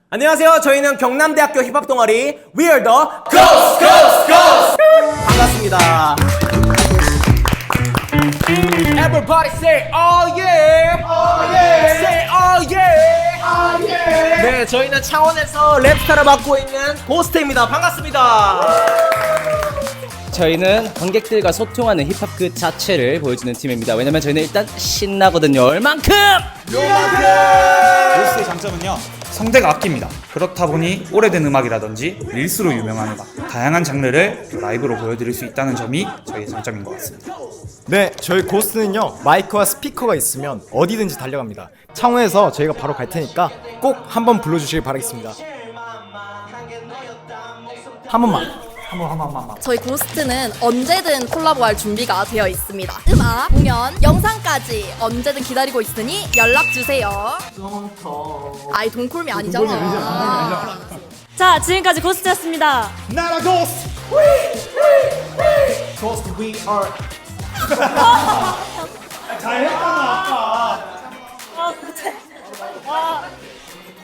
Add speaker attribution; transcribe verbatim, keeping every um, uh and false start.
Speaker 1: 안녕하세요. 저희는 경남대학교 힙합 동아리 We are the Ghost Ghost Ghost 반갑습니다. Everybody say oh yeah, oh yeah, say oh yeah, oh yeah. 네, 저희는 창원에서 랩스타를 맡고 있는 고스트입니다. 반갑습니다.
Speaker 2: 저희는 관객들과 소통하는 힙합 그 자체를 보여주는 팀입니다. 왜냐면 저희는 일단 신나거든요. 얼만큼!
Speaker 3: 고스트의 장점은요, 성대가 악기입니다. 그렇다 보니 오래된 음악이라든지 릴스로 유명한 음악, 다양한 장르를 라이브로 보여드릴 수 있다는 점이 저희의 장점인 것 같습니다.
Speaker 4: 네, 저희 고스트는요 마이크와 스피커가 있으면 어디든지 달려갑니다. 창원에서 저희가 바로 갈 테니까 꼭 한번 불러주시길 바라겠습니다. 한 번만.
Speaker 5: 저희 고스트는 언제든 콜라보할 준비가 되어 있습니다. 음악, 공연, 영상까지 언제든 기다리고 있으니 연락주세요. 아이 돈콜미 아니잖아.
Speaker 6: 자, 지금까지 고스트였습니다.
Speaker 1: 나라 고스트. 고스트 we are.
Speaker 6: 아, 그치. 아.